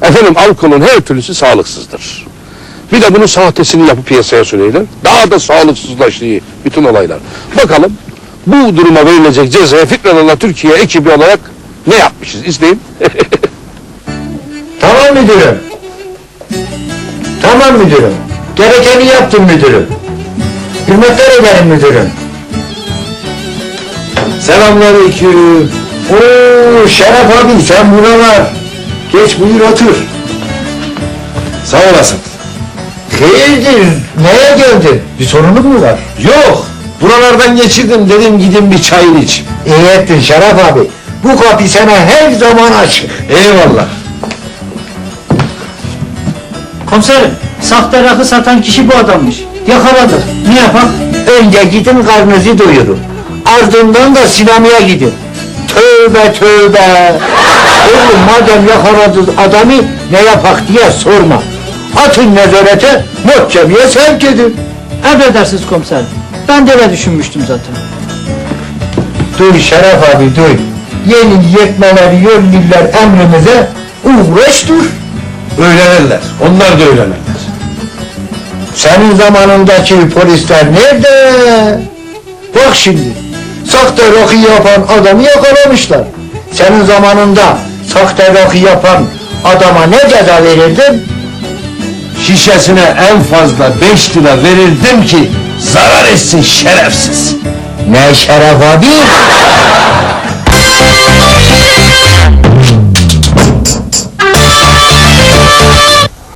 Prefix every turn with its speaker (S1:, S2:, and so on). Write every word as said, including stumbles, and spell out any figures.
S1: Efendim alkolün her türlüsü sağlıksızdır. Bir de bunun sahtesini yapıp piyasaya sürüyorlar. Daha da sağlıksızlaştığı bütün olaylar. Bakalım bu duruma verilecek cezaya Fikranallah Türkiye ekibi olarak ne yapmışız? İzleyin.
S2: Tamam müdürüm. Tamam müdürüm. Gerekeni yaptım müdürüm. Hürmetler ederim müdürüm. Selamünaleyküm. Oo Şeref abi sen buralar. Geç buyur otur.
S3: Sağ olasın.
S2: Hayırdır? Neye geldin? Bir sorunun mu var?
S3: Yok, buralardan geçirdim dedim gidin bir çayını iç.
S2: İyi ettin Şeref abi. Bu kapı sana her zaman açık.
S3: Eyvallah.
S4: Komiserim, sahte rakı satan kişi bu adammış. Yakaladık. Ne yapak?
S2: Önce gidin karnınızı doyurun. Ardından da sinemaya gidin. Tövbe tövbe. Oğlum madem yakaladınız adamı ne yapak diye sorma. Atın nezarete, mahkemeye sevk edin.
S4: Emredersiniz komiserim. Ben de öyle düşünmüştüm zaten.
S2: Duy Şeref abi duy. Yeni yetmeleri yönlüler emrimize uğraş dur.
S3: Öğrenirler, onlar da öğrenirler.
S2: Senin zamanındaki polisler nerede? Bak şimdi, sahte rakı yapan adamı yakalamışlar. Senin zamanında sahte rakı yapan adama ne ceza verirdin?
S3: Şişesine en fazla beş lira verirdim ki zarar etsin şerefsiz.
S2: Ne Şeref abi?